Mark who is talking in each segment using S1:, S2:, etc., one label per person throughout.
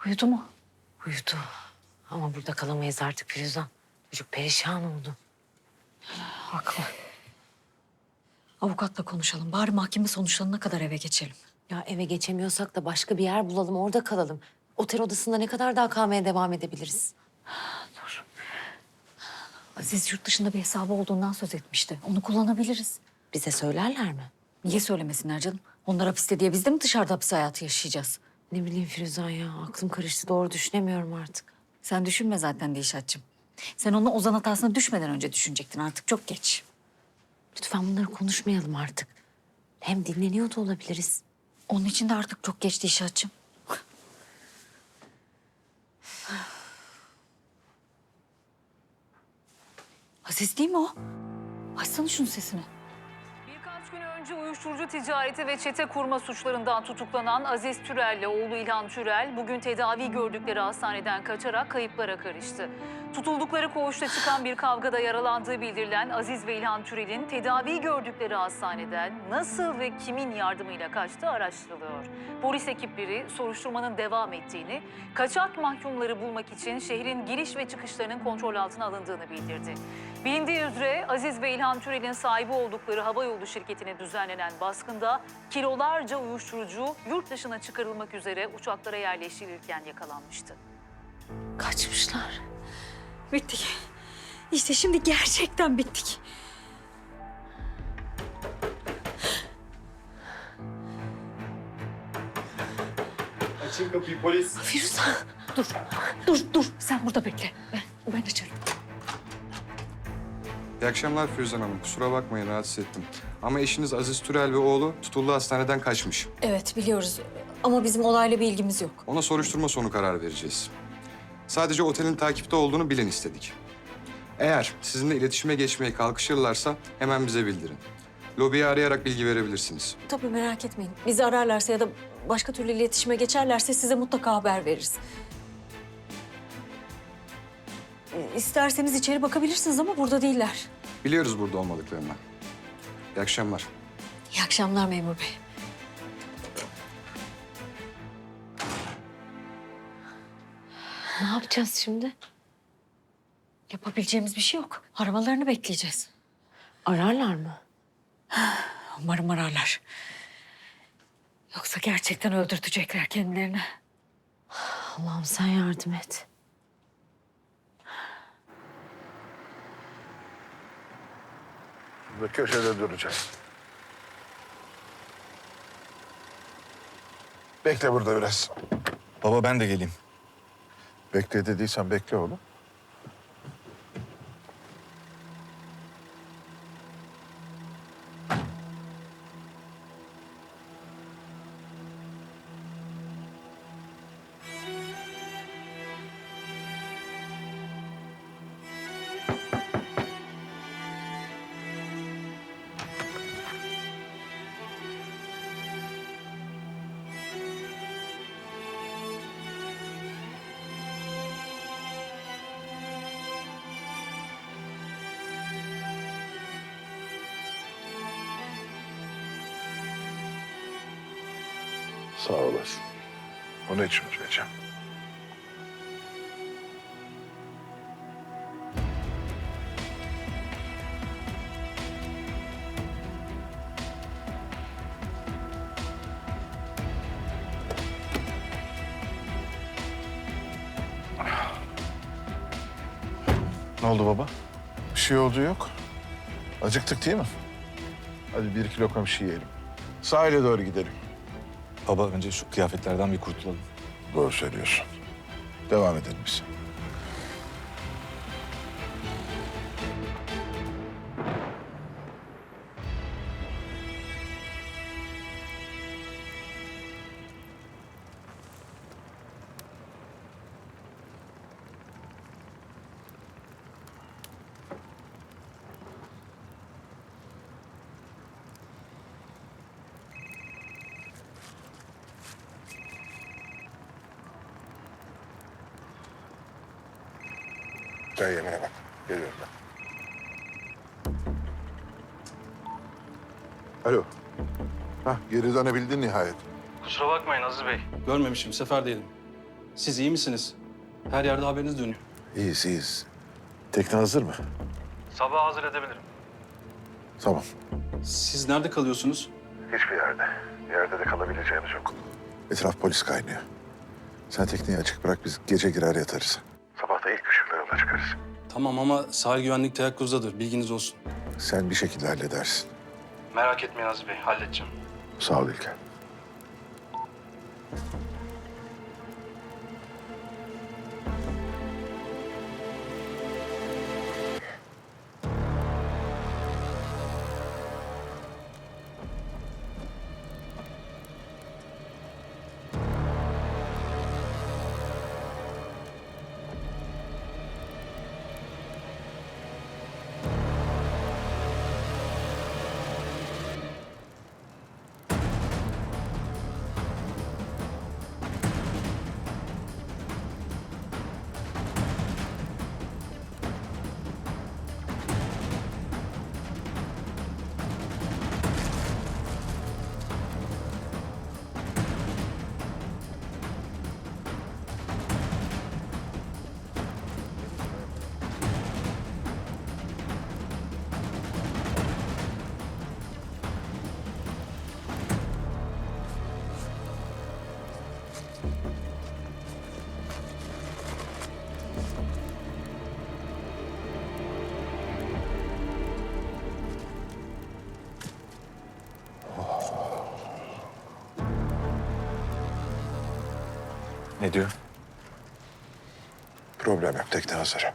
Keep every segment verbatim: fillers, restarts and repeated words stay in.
S1: Uyudu mu?
S2: Uyudu. Ama burada kalamayız artık Firuzan. Çocuk perişan oldu.
S1: Haklı. Avukatla konuşalım. Bari mahkeme sonuçlanana kadar eve geçelim.
S2: Ya eve geçemiyorsak da başka bir yer bulalım, orada kalalım. Otel odasında ne kadar daha kalmaya devam edebiliriz?
S1: Dur. Aziz yurt dışında bir hesabı olduğundan söz etmişti. Onu kullanabiliriz.
S2: Bize söylerler mi?
S1: Niye söylemesinler canım? Onlar hapiste diye biz de mi dışarıda hapis hayatı yaşayacağız?
S2: Ne bileyim Firuzan ya, aklım karıştı. Doğru düşünemiyorum artık.
S1: Sen düşünme zaten Dilşat'cığım. Sen onu Ozan hatasına düşmeden önce düşünecektin. Artık çok geç.
S2: Lütfen bunları konuşmayalım artık. Hem dinleniyor da olabiliriz.
S1: Onun için de artık çok geç Dilşat'cığım. Aziz değil mi o? Açsana şunun sesini.
S3: Birkaç gün önce uyuşturucu ticareti ve çete kurma suçlarından tutuklanan Aziz Türel'le oğlu İlhan Türel bugün tedavi gördükleri hastaneden kaçarak kayıplara karıştı. Tutuldukları koğuşta çıkan bir kavgada yaralandığı bildirilen Aziz ve İlhan Türel'in tedavi gördükleri hastaneden nasıl ve kimin yardımıyla kaçtığı araştırılıyor. Polis ekipleri soruşturmanın devam ettiğini, kaçak mahkumları bulmak için şehrin giriş ve çıkışlarının kontrol altına alındığını bildirdi. Bilindiği üzere Aziz ve İlhan Türel'in sahibi oldukları havayolu şirketine düzenlenen baskında kilolarca uyuşturucu yurt dışına çıkarılmak üzere uçaklara yerleştirilirken yakalanmıştı.
S2: Kaçmışlar.
S1: Bittik. İşte şimdi gerçekten bittik.
S4: Açın kapıyı polis.
S1: Firuzan dur. Dur dur. Sen burada bekle. Ben, ben açarım.
S5: İyi akşamlar Firuzan Hanım. Kusura bakmayın rahatsız ettim. Ama eşiniz Aziz Türel ve oğlu tutulduğu hastaneden kaçmış.
S1: Evet biliyoruz ama bizim olayla bir ilgimiz yok.
S5: Ona soruşturma sonu karar vereceğiz. Sadece otelin takipte olduğunu bilin istedik. Eğer sizinle iletişime geçmeye kalkışırlarsa hemen bize bildirin. Lobiyi arayarak bilgi verebilirsiniz.
S1: Tabii merak etmeyin. Bizi ararlarsa ya da başka türlü iletişime geçerlerse size mutlaka haber veririz. Ee, İsterseniz içeri bakabilirsiniz ama burada değiller.
S5: Biliyoruz burada olmadıklarını. İyi akşamlar.
S1: İyi akşamlar memur bey.
S2: Ne yapacağız şimdi?
S1: Yapabileceğimiz bir şey yok. Aramalarını bekleyeceğiz.
S2: Ararlar mı?
S1: Umarım ararlar. Yoksa gerçekten öldürtecekler kendilerini.
S2: Allah'ım sen yardım et.
S4: Ve köşede duracağız. Bekle burada biraz.
S6: Baba ben de geleyim.
S4: Bekle dediysen bekle oğlum. Sağ olasın. Onu hiç unutmayacağım. Ne oldu baba? Bir şey oldu yok. Acıktık değil mi? Hadi bir iki lokma bir şey yiyelim. Sahile doğru gidelim.
S6: Baba önce şu kıyafetlerden bir kurtulalım.
S4: Doğru söylüyorsun. Devam edelim biz. Sen yemeğe bak. Geliyorum ben. Alo. Hah, geri dönebildin nihayet.
S7: Kusura bakmayın Aziz Bey. Görmemişim, seferdeydim. Siz iyi misiniz? Her yerde haberiniz dönüyor.
S4: İyiyiz, iyiyiz. Tekne hazır mı?
S7: Sabah hazır edebilirim.
S4: Tamam.
S7: Siz nerede kalıyorsunuz?
S4: Hiçbir yerde. Bir yerde de kalabileceğimiz yok. Etraf polis kaynıyor. Sen tekneyi açık bırak, biz gece girer yatarız. Sabah da ilk ışıkla yola çıkarız.
S7: Tamam ama sahil güvenlik teyakkuzdadır. Bilginiz olsun.
S4: Sen bir şekilde halledersin.
S7: Merak etmeyin Aziz Bey. Halledeceğim.
S4: Sağ ol İlker.
S6: Ne diyor?
S4: Problem yok, tekne hazır.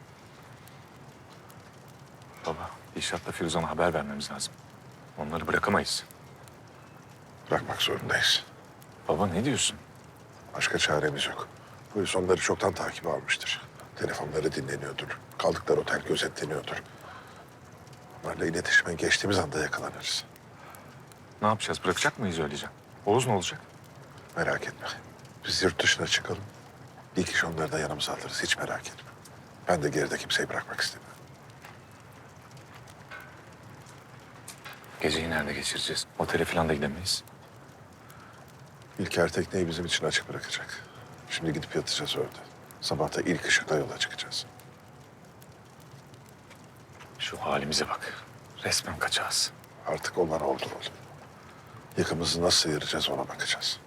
S6: Baba, İnşaat'la Firuzan'a haber vermemiz lazım. Onları bırakamayız.
S4: Bırakmak zorundayız.
S6: Baba ne diyorsun?
S4: Başka çaremiz yok. Polis onları çoktan takibe almıştır. Telefonları dinleniyordur. Kaldıkları otel gözetleniyordur. Onlarla iletişime geçtiğimiz anda yakalanırız.
S6: Ne yapacağız? Bırakacak mıyız öylece? Oğuz ne olacak?
S4: Merak etme. Biz yurt dışına çıkalım. İlk iş onları da yanımıza alırız. Hiç merak etme. Ben de geride kimseyi bırakmak istemiyorum.
S6: Geceyi nerede geçireceğiz? Otele falan da gidemeyiz.
S4: İlker tekneyi bizim için açık bırakacak. Şimdi gidip yatacağız orada. Sabah da ilk ışıkla yola çıkacağız.
S6: Şu halimize bak. Resmen kaçağız.
S4: Artık olan oldu oğlum. Yakımızı nasıl sıyıracağız ona bakacağız.